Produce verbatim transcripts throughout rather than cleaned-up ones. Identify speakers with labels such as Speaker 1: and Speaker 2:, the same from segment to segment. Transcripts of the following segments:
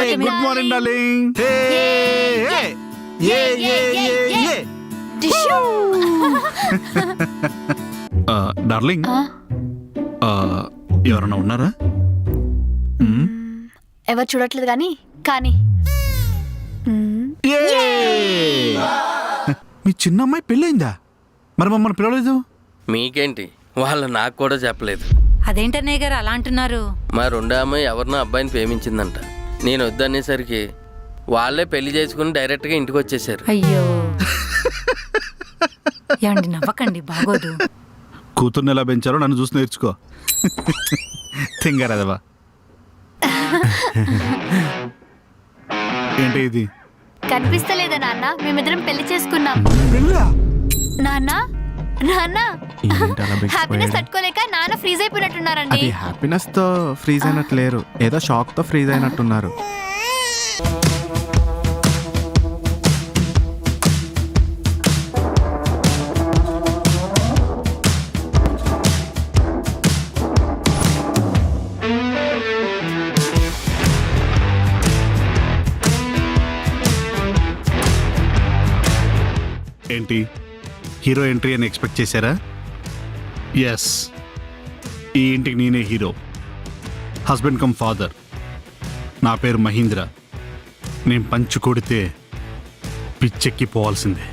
Speaker 1: Good morning darling. Darling, ఎవరన్నా ఉన్నారా?
Speaker 2: ఎవరు చూడట్లేదు కానీ కానీ
Speaker 1: మీ చిన్న అమ్మాయి పెళ్ళైందా? మరి మమ్మల్ని పిలవలేదు.
Speaker 3: మీకేంటి, వాళ్ళు నాకు కూడా చెప్పలేదు.
Speaker 4: అదేంటన్నయ్య గారు అలా అంటున్నారు?
Speaker 3: మా రెండో అమ్మాయి ఎవరినో అబ్బాయిని ప్రేమించిందంట. నేను వద్దనేసరికి వాళ్ళే పెళ్లి చేసుకుని డైరెక్ట్గా ఇంటికి వచ్చేసారు.
Speaker 4: అయ్యో, ఏమండి నవ్వకండి, బాగోదు.
Speaker 1: కూతుర్ని ఎలా పెంచారో నన్ను చూసి నేర్చుకో. తింగారదవా. ఏంటి ఇది?
Speaker 2: కనిపిస్తలేదా నాన్న? మేమిద్దరం పెళ్లి చేసుకున్నాం. నాన్న నాన్న హ్యాపీనెస్ తట్టుకోలేక నాన్న ఫ్రీజ్ అయిపోయినట్టున్నారండి.
Speaker 5: అది హ్యాపీనెస్ తో ఫ్రీజ్ అయినట్టు లేరు, ఏదో షాక్ తో ఫ్రీజ్ అయినట్టున్నారు.
Speaker 1: ఏంటి, హీరో ఎంట్రీ అని ఎక్స్పెక్ట్ చేశారా? ఎస్, ఈ ఇంటికి నేనే హీరో, హస్బెండ్ కమ్ ఫాదర్. నా పేరు మహీంద్ర. నేను పంచు కొడితే పిచ్చెక్కి పోవాల్సిందే.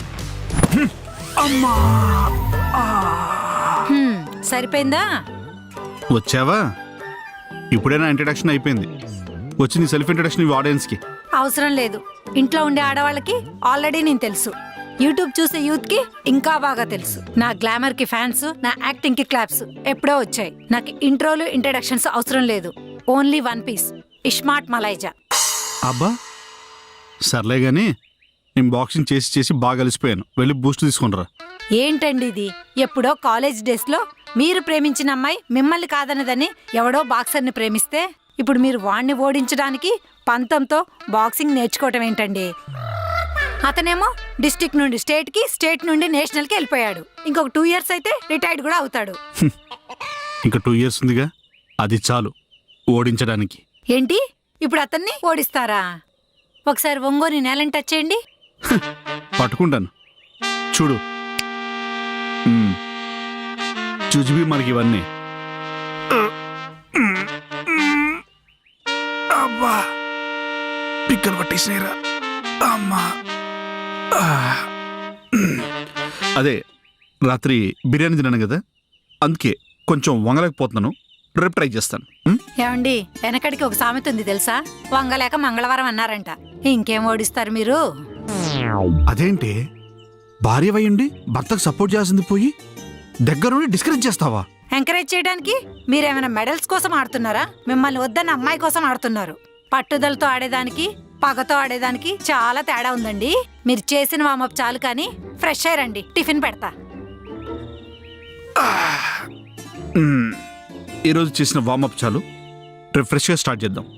Speaker 4: హ్మ్, సరిపోయిందా?
Speaker 1: వచ్చావా? ఇప్పుడే నా ఇంట్రడక్షన్ అయిపోయింది. వచ్చి నీ సెల్ఫ్ ఇంట్రడక్షన్ ఇవి ఆడియన్స్కి.
Speaker 4: అవసరం లేదు. ఇంట్లో ఉండే ఆడవాళ్ళకి ఆల్రెడీ నేను తెలుసు. యూట్యూబ్ చూసే యూత్ కి ఇంకా బాగా తెలుసు. నా గ్లామర్ కి ఫ్యాన్స్, నా యాక్టింగ్ కి క్లాప్స్ ఎప్పుడో వచ్చాయి. నాకు ఇంట్రోలు ఇంట్రడక్షన్స్ అవసరం లేదు. ఓన్లీ వన్ పీస్, ఇస్మార్ట్ మలైజా.
Speaker 1: అబ్బా సర్లే గాని, నేను బాక్సింగ్ చేసి చేసి బాగా అలసిపోయాను. వెళ్ళి బూస్ట్ తీసుకుంటారా?
Speaker 4: ఏంటండి ఇది? ఎప్పుడో కాలేజ్ డేస్ లో మీరు ప్రేమించిన అమ్మాయి మిమ్మల్ని కాదన్నదని ఎవడో బాక్సర్ని ప్రేమిస్తే ఇప్పుడు మీరు వాణ్ణి ఓడించడానికి పంతంతో బాక్సింగ్ నేర్చుకోవటం ఏంటండి? అతనేమో డిస్ట్రిక్ట్ నుండి స్టేట్ కి, స్టేట్ నుండి నేషనల్ కి వెళ్ళిపోయాడు. ఇంకొక టూ ఇయర్స్ అయితే రిటైర్డ్ కూడా అవుతాడు.
Speaker 1: ఇంకా టూ ఇయర్స్ ఉందిగా, అది చాలు ఓడించడానికి.
Speaker 4: ఏంటి, ఇప్పుడు అతన్ని ఓడిస్తారా? ఒకసారి ఒంగోని నేలని టచ్ చేయండి.
Speaker 1: పట్టుకుంటాను చూడు. చూచివి మనకి ఇవన్నీ. అబ్బా పిక్కలు పట్టేసినాయిరా అమ్మా. అదే రాత్రి బిర్యానీ తిన్నాను కదా, అందుకే కొంచెం వంగలేకపోతున్నాను. రేపు ట్రై చేస్తాను.
Speaker 4: ఏమండి, వెనకడికి ఒక సామెత ఉంది తెలుసా? వంగలేక మంగళవారం అన్నారంట. ఇంకేం ఓడిస్తారు మీరు?
Speaker 1: అదేంటి, భార్య వయ్యండి భర్తకు సపోర్ట్ చేయాల్సింది పోయి దగ్గరుండి డిస్కరేజ్ చేస్తావా?
Speaker 4: ఎంకరేజ్ చేయడానికి మీరేమైనా మెడల్స్ కోసం ఆడుతున్నారా? మిమ్మల్ని వద్దన్న అమ్మాయి కోసం ఆడుతున్నారు. పట్టుదలతో ఆడేదానికి, పగతో ఆడేదానికి చాలా తేడా ఉందండి. మీరు చేసిన వామప్ చాలు కానీ ఫ్రెష్ అయ్యారండి. టిఫిన్ పెడతా.
Speaker 1: ఈరోజు చేసిన వామప్ చాలు, రేపు ఫ్రెష్గా స్టార్ట్ చేద్దాం.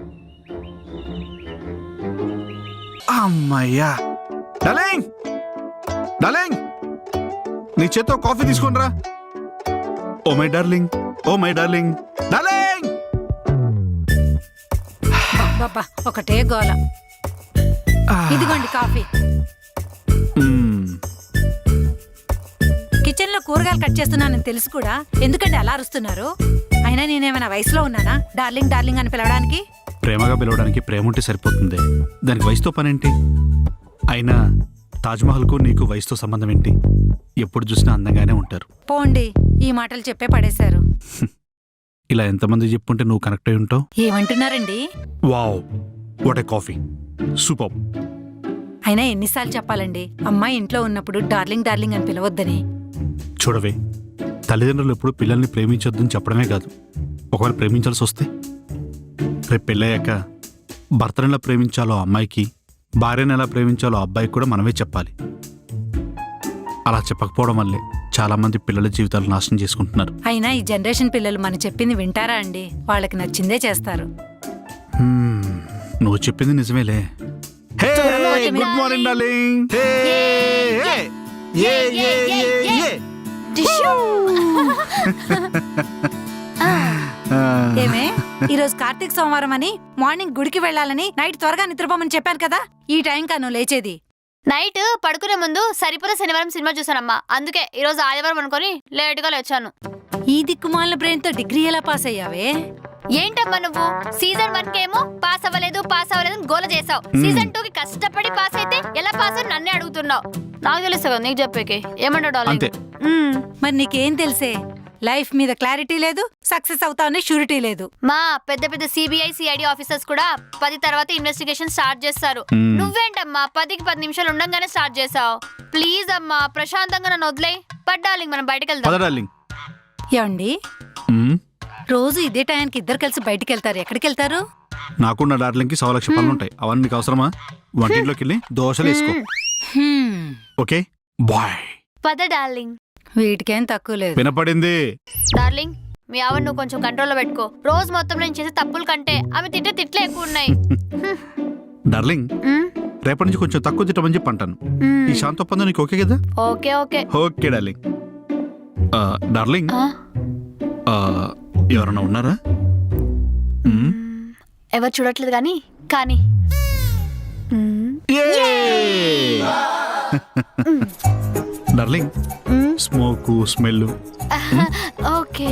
Speaker 1: అమ్మయ్యా. డార్లింగ్ డార్లింగ్, నీ చేత్తో కాఫీ తీసుకోనరా. Oh my darling, oh my darling, darling.
Speaker 4: బాబా ఒకటే గోల. ఇదిగోండి కాఫీ. కిచెన్ లో కూరగాయలు కట్ చేస్తున్నానని తెలుసు కూడా ఎందుకంటే అలా అరుస్తున్నారు? అయినా నేనేమైనా వయసులో ఉన్నానా డార్లింగ్ డార్లింగ్ అని పిలవడానికి?
Speaker 1: ప్రేమగా పిలవడానికి ప్రేమ ఉంటే సరిపోతుంది, దానికి వయసుతో పనేంటి? అయినా తాజ్మహల్కు నీకు వయసుతో సంబంధం ఏంటి? ఎప్పుడు చూసినా అందంగానే ఉంటారు.
Speaker 4: పోండి, ఈ మాటలు చెప్పే పడేశారు.
Speaker 1: ఇలా ఎంతమంది చెప్పుంటే నువ్వు కనెక్ట్ అయి ఉంటావు.
Speaker 4: ఏమంటున్నారండి?
Speaker 1: Wow, what a coffee, super.
Speaker 4: అయినా ఎన్నిసార్లు చెప్పాలండి అమ్మాయి ఇంట్లో ఉన్నప్పుడు డార్లింగ్ డార్లింగ్ అని పిలవద్దని?
Speaker 1: చూడవే, తల్లిదండ్రులు ఎప్పుడు పిల్లల్ని ప్రేమించొద్దని చెప్పడమే కాదు, ఒకవేళ ప్రేమించాల్సి వస్తే రేపు పెళ్ళయ్యాక భర్తను ఎలా ప్రేమించాలో అమ్మాయికి, భార్యను ఎలా ప్రేమించాలో అబ్బాయికి కూడా మనమే చెప్పాలి. అలా చెప్పకపోవడం వల్లే చాలా మంది పిల్లల జీవితాలు నాశనం చేసుకుంటున్నారు.
Speaker 4: అయినా ఈ జనరేషన్ పిల్లలు మనం చెప్పింది వింటారా అండి? వాళ్ళకి నచ్చిందే చేస్తారు.
Speaker 1: నువ్వు చెప్పింది నిజమేలే. Good morning darling.
Speaker 4: ఏమే ఈ రోజు కార్తీక సోమవారం అని మార్నింగ్ గుడికి వెళ్ళాలని నైట్ త్వరగా నిద్రపోమని చెప్పాను కదా, ఈ టైం కా నువ్వు లేచేది.
Speaker 2: నైట్ పడుకునే ముందు సరిపోలే శనివారం సినిమా చూసానమ్మా, అందుకే ఈ రోజు ఆదివారం అనుకొని లేట్ గా లేచాను.
Speaker 4: ఈ దిక్కుమాలిన బ్రెయిన్ తో డిగ్రీ ఎలా పాస్ అయ్యావే?
Speaker 2: ఏంటమ్మా నువ్వు సీజన్ వన్ కేమో పాస్ అవ్వలేదు పాస్ అవ్వలేదు అని గోల చేసావు, సీజన్ టూ కి కష్టపడి పాస్ అయితే ఎలా పాస్ అని నన్నే అడుగుతున్నావు. నాకు తెలుసు కదా నీకు చెప్పేకి, ఏమంటావు
Speaker 1: అంతే.
Speaker 2: డార్లింగ్?
Speaker 4: మరి నీకేం తెలిసే? లైఫ్ మీద క్లారిటీ లేదు, సక్సెస్ అవుతావని షూరిటీ లేదు.
Speaker 2: మా పెద్ద పెద్ద సిబిఐ సిఐడి ఆఫీసర్స్ కూడా పది తర్వాత ఇన్వెస్టిగేషన్ స్టార్ట్ చేస్తారు.
Speaker 1: మ్మ్.
Speaker 2: నువ్వేంటమ్మా పదికి పది నిమిషాలు ఉండంగానే స్టార్ట్ చేసావు. ప్లీజ్ అమ్మా ప్రశాంతంగా నన్ను వదిలే. పడ్డాలి మనం బయటకు వెళ్దాం.
Speaker 1: పద డార్లింగ్.
Speaker 4: ఏమండి,
Speaker 1: మ్మ్.
Speaker 4: రోజు ఇదే టైంకి ఇద్దరు కలిసి బయటికి వెళ్తారు, ఎక్కడికి వెళ్తారు?
Speaker 1: నాకున్న డార్లింగ్కి సవ లక్ష పనులు ఉంటాయి, అవన్నీ నీకు అవసరమా? వంటింట్లోకి వెళ్ళి దోశలు వేసుకో.
Speaker 4: Hmm,
Speaker 1: okay bye.
Speaker 2: పద డార్లింగ్.
Speaker 4: వీటికేం తక్కువ లేదు.
Speaker 1: వినపడింది.
Speaker 2: డార్లింగ్ మీ ఆవిడ నువ్వు కొంచెం కంట్రోల్లో పెట్టుకో. రోజు మొత్తం నేను చేసే తప్పుల కంటే ఆమె తిట్టే తిట్లే ఎక్కువ ఉన్నాయి.
Speaker 1: డార్లింగ్,
Speaker 2: మ్మ్?
Speaker 1: రేపటి నుంచి కొంచెం తక్కువ తిట్టమని చెప్పి అంటాను.
Speaker 2: మ్మ్.
Speaker 1: ఈ శాంత ఒప్పందం నీకు ఓకే కదా?
Speaker 2: Okay okay.
Speaker 1: Okay darling. ఆ, డార్లింగ్,
Speaker 2: ఆ?
Speaker 1: ఆ, ఎవరన్నా ఉన్నారా? మ్మ్.
Speaker 2: మ్మ్. ఎవరు చూడట్లేదు కానీ కానీ మ్మ్.
Speaker 1: డార్లింగ్,
Speaker 2: మ్మ్.
Speaker 1: Smoke smell.
Speaker 2: ఓకే.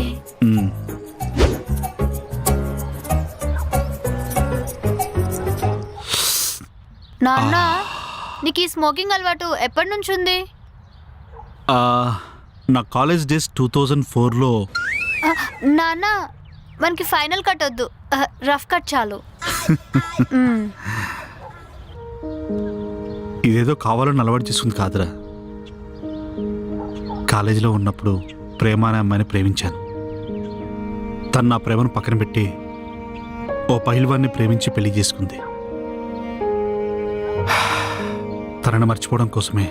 Speaker 2: నాన్న నీకు ఈ స్మోకింగ్ అలవాటు ఎప్పటి నుంచి ఉంది?
Speaker 1: నా కాలేజ్ డేస్ టూ థౌజండ్ ఫోర్లో.
Speaker 2: ఆ, నాన్న మనకి ఫైనల్ కట్ వద్దు, ఆ, రఫ్ కట్ చాలు. మ్మ్.
Speaker 1: ఇదేదో కావాలని అలవాటు చేసుకుంది కాదురా. కాలేజీలో ఉన్నప్పుడు ప్రేమ అనే అమ్మాయిని ప్రేమించాను. తను నా ప్రేమను పక్కన పెట్టి ఓ పహిల్వాన్ని ప్రేమించి పెళ్లి చేసుకుంది. తనని మర్చిపోవడం కోసమే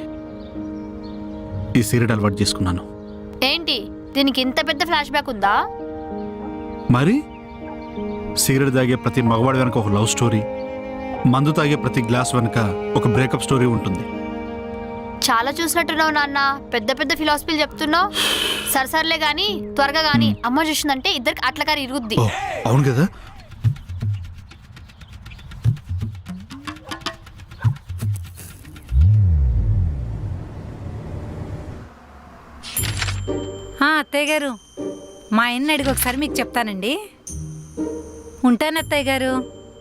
Speaker 1: ఈ సీరియడ్ అలవాటు చేసుకున్నాను.
Speaker 2: ఏంటి దీనికి ఇంత పెద్ద ఫ్లాష్ బ్యాక్ ఉందా?
Speaker 1: మరి సిగరెట్ తాగే ప్రతి మగవాడి వెనక ఒక లవ్ స్టోరీ, మందు తాగే ప్రతి గ్లాస్ వెనక ఒక బ్రేకప్ స్టోరీ ఉంటుంది.
Speaker 2: చాలా చూసినట్టున్నావు నాన్న, పెద్ద పెద్ద ఫిలాసఫీలు చెప్తున్నావు. సరసర్లే గాని త్వరగా గాని అమ్మ చూసిందంటే ఇద్దరికి అట్లకారి ఇరుగుద్ది.
Speaker 1: ఓ అవును కదా.
Speaker 4: ఆ, అత్తయ్య గారు, మా ఆయన్ని అడిగి ఒకసారి మీకు చెప్తానండి. ఉంటాను అత్తయ్య గారు.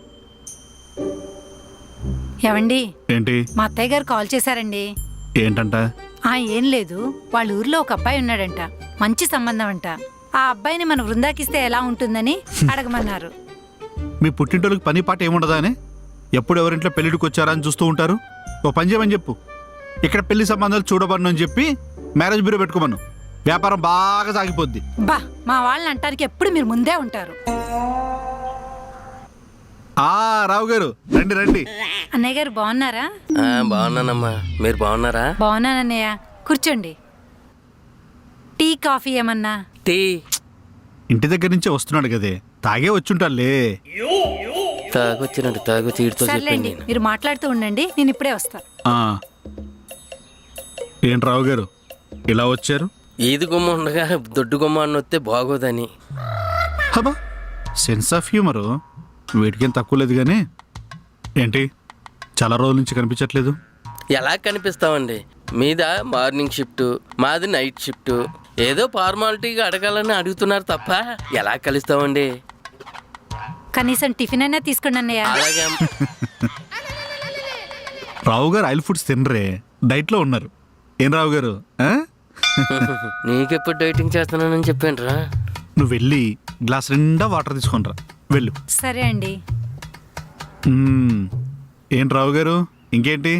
Speaker 4: ఏవండి,
Speaker 1: ఏంటి
Speaker 4: మా అత్తయ్య గారు కాల్ చేశారండి.
Speaker 1: ఏంటంట?
Speaker 4: ఆ ఏం లేదు, వాళ్ళ ఊర్లో ఒక అబ్బాయి ఉన్నాడంట, మంచి సంబంధం అంట. ఆ అబ్బాయిని మన వృందాకిస్తే ఎలా ఉంటుందని అడగమన్నారు.
Speaker 1: మీ పుట్టింటోళ్ళకి పని పాట ఏముండదా అని ఎప్పుడు ఎవరింట్లో పెళ్లిడికి వచ్చారా అని చూస్తూ ఉంటారు. ఓ పని చేయమని చెప్పు, ఇక్కడ పెళ్లి సంబంధాలు చూడబడను అని చెప్పి మ్యారేజ్ బ్యూరో పెట్టుకోమను. వ్యాపారం బాగా సాగిపోద్ది.
Speaker 4: బా, మా వాళ్ళని అంటానికి ఎప్పుడు మీరు ముందే ఉంటారు.
Speaker 1: ఆ రావు గారు రండి రండి.
Speaker 4: అన్నయ్య గారు బాగున్నారా?
Speaker 3: ఆ, బాగున్నానమ్మా, మీరు బాగున్నారా?
Speaker 4: బాగున్నానన్నయ్య, కూర్చోండి. టీ కాఫీ ఏమన్నా?
Speaker 3: టీ
Speaker 1: ఇంటి దగ్గర నుంచే వస్తున్నాడు కదే, తాగే వచ్చుంటాలే.
Speaker 3: తాగొచ్చినట్టు తాగొచ్చి ఈడితో చెప్పండి.
Speaker 4: సర్లేండి, మీరు మాట్లాడుతూ ఉండండి, నేను ఇప్పుడే వస్తా.
Speaker 1: ఆ, ఏంటి రావు గారు ఇలా వచ్చారు?
Speaker 3: ఈది గుమ్మ ఉండగా దొడ్డు గుమ్మ అని వస్తే బాగోదని.
Speaker 1: హబా, సెన్స్ ఆఫ్ హ్యూమరు వీటికేం తక్కువ లేదు. కానీ ఏంటి చాలా రోజుల నుంచి కనిపించట్లేదు?
Speaker 3: ఎలా కనిపిస్తామండి, మీద మార్నింగ్ షిఫ్ట్, మాది నైట్ షిఫ్ట్. ఏదో ఫార్మాలిటీగా అడగాలని అడుగుతున్నారు తప్ప ఎలా కలుస్తామండి?
Speaker 4: కనీసం టిఫిన్ అయినా తీసుకోండి అన్నయ్య.
Speaker 3: అలాగే
Speaker 1: రావు గారు ఆయిల్ ఫుడ్స్ తినరే, డైట్లో ఉన్నారు. ఏం రావు గారు, ఆ?
Speaker 3: నీకెప్పుడు డైటింగ్ చేస్తున్నానని చెప్పానురా.
Speaker 1: నువ్వు వెళ్ళి గ్లాస్ నిండా వాటర్ తీసుకొనిరా, వెళ్ళు.
Speaker 4: సరే అండి.
Speaker 1: మ్మ్. ఏంటి రావు గారు ఇంకేంటి?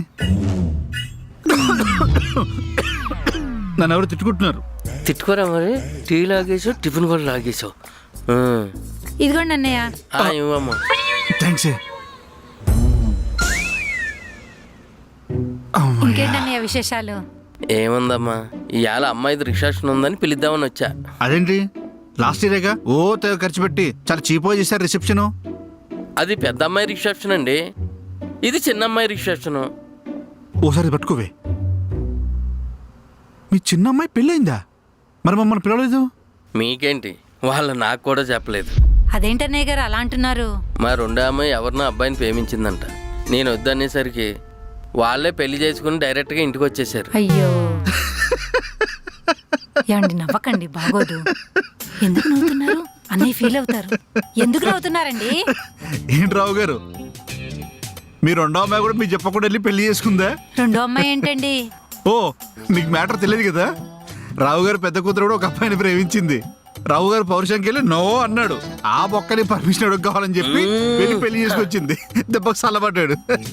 Speaker 1: నన్ను ఎవరు తిట్టుకుంటున్నారు?
Speaker 3: తిట్టుకోరా మరి, టీ లాగేసావు, టిఫిన్ కూడా లాగేసావు.
Speaker 4: ఇదిగోండి అన్నయ్య.
Speaker 3: ఇవ్వమ్మా.
Speaker 1: థ్యాంక్స్.
Speaker 4: ఇంకేంటన్నయ్య విశేషాలు?
Speaker 3: ఏముందమ్మా, ఇవాళ అమ్మాయిది రిసెప్షన్ ఉందని పిలుద్దామని వచ్చా.
Speaker 1: అదేంటి లాస్ట్ ఇయరేగా ఓ తెగ ఖర్చు పెట్టి చాలా చీప్గా చేశారు రిసెప్షను.
Speaker 3: అది పెద్ద అమ్మాయి రిసెప్షన్ అండి, ఇది చిన్న అమ్మాయి రిసెప్షన్.
Speaker 1: ఓసారి పట్టుకోవే. మీ చిన్న అమ్మాయి పెళ్ళయిందా? మరి మమ్మల్ని పిలవలేదు.
Speaker 3: మీకేంటి, వాళ్ళు నాకు కూడా చెప్పలేదు.
Speaker 4: అదేంటన్నయ్య గారు అలా అంటున్నారు?
Speaker 3: మా రెండో అమ్మాయి ఎవరినో అబ్బాయిని ప్రేమించిందంట. నేను వద్దనేసరికి వాళ్ళే పెళ్లి చేసుకుని డైరెక్ట్గా ఇంటికి వచ్చేసారు.
Speaker 4: అయ్యో ఏమండి నవ్వకండి, బాగోదు. ఎందుకు నవ్వుతున్నారు? అన్నయ్య ఫీల్ అవుతారు. ఎందుకు నవ్వుతున్నారండి?
Speaker 1: ఏంటి రావు గారు, మీ రెండో అమ్మాయి కూడా మీరు చెప్పకుండా వెళ్ళి పెళ్లి చేసుకుందా?
Speaker 4: రెండో అమ్మాయి ఏంటండి?
Speaker 1: ఓ, నీకు మ్యాటర్ తెలియదు కదా. రావు గారు పెద్ద కూతురు కూడా ఒక అబ్బాయిని ప్రేమించింది. రావు గారు పౌరుషంకి వెళ్ళి నో అన్నాడు. ఆ బొక్కని పర్మిషన్ అడుగు కావాలని చెప్పి వెళ్ళి పెళ్లి చేసుకొచ్చింది. దెబ్బకు సల్లబడ్డాడు.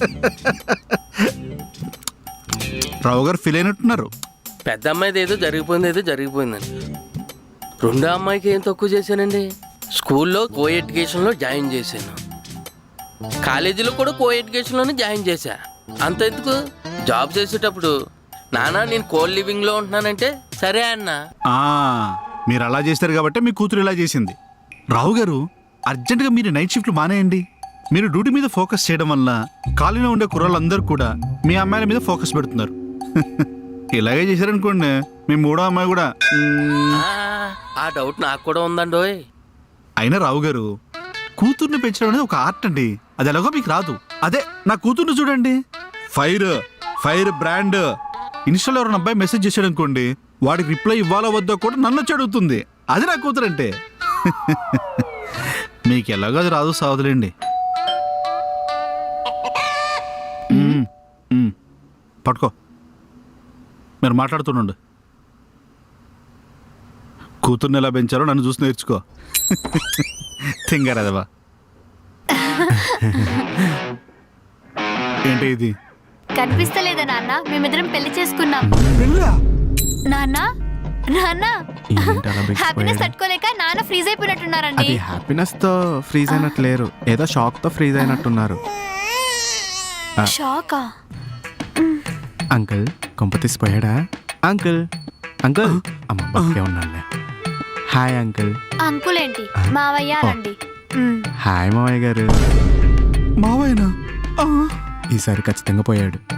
Speaker 1: రావు గారు ఫీల్ అయినట్టున్నారు.
Speaker 3: పెద్ద అమ్మాయిది ఏదో జరిగిపోయింది, ఏదో జరిగిపోయిందని. రెండో అమ్మాయికి ఏం తక్కువ చేశానండి? స్కూల్లో కో ఎడ్యుకేషన్లో జాయిన్ చేశాను, కాలేజీలో కూడా కో ఎడ్యుకేషన్లోనే జాయిన్ చేశా. అంత ఎందుకు, జాబ్ చేసేటప్పుడు నానా నేను కోల్ లివింగ్లో ఉంటున్నానంటే సరే అన్న.
Speaker 1: ఆ, మీరు అలా చేస్తారు కాబట్టి మీ కూతురు ఇలా చేసింది. రావు గారు, అర్జెంటుగా మీరు నైట్ షిఫ్ట్లు మానేయండి. మీరు డ్యూటీ మీద ఫోకస్ చేయడం వల్ల కాలనీలో ఉండే కుర్రాళ్ళందరూ కూడా మీ అమ్మాయిల మీద ఫోకస్ పెడుతున్నారు. ఇలాగే చేశారనుకోండి, మీ మూడో అమ్మాయి కూడా మ్మ్.
Speaker 3: ఆ, ఆ డౌట్ నాకు కూడా ఉందండోయ్.
Speaker 1: అయినా రావు గారు, కూతుర్ని పెంచడం అనేది ఒక ఆర్ట్ అండి. అది ఎలాగో మీకు రాదు. అదే నా కూతుర్ని చూడండి, ఫైర్ ఫైర్ బ్రాండ్. ఇన్స్టాలో ఎవరైనా అబ్బాయి మెసేజ్ చేశాడు అనుకోండి, వాడికి రిప్లై ఇవ్వాలో వద్దో కూడా నన్ను వచ్చి అడుగుతుంది. అది నా కూతురు అంటే. మీకు ఎలాగో అది రాదు, సావదులేండి. మ్మ్. మ్మ్. పట్టుకో, మీరు మాట్లాడుతుండండి. కూతుర్ని ఎలా పెంచారో నన్ను చూసి నేర్చుకో. తింగారదవా. ఏంటి ఇది?
Speaker 2: కనిపిస్తలేదా నాన్న? మేమిద్దరం పెళ్లి చేసుకున్నాం. నాన్న నాన్న
Speaker 5: ఏంటి అలా బిగిసిపోయాడు?
Speaker 2: హ్యాపీనెస్ తట్టుకోలేక నాన్న ఫ్రీజ్ అయిపోయినట్టున్నారండి.
Speaker 5: అది హ్యాపీనెస్ తో ఫ్రీజ్ అయినట్టు లేరు, ఏదో షాక్ తో ఫ్రీజ్ అయినట్టున్నారు.
Speaker 2: షాకా?
Speaker 5: అంకుల్ కొంప తీసిపోయాడా? అంకుల్ అంకుల్ అమ్మ బక్కే ఉన్నానులే. Hi uncle.
Speaker 2: అంకుల్ ఏంటి, మావయ్య రండి. మ్.
Speaker 5: హాయ్ మావయ్య గారు.
Speaker 1: మావయ్యనా?
Speaker 5: ఈసారి ఖచ్చితంగా పోయాడు.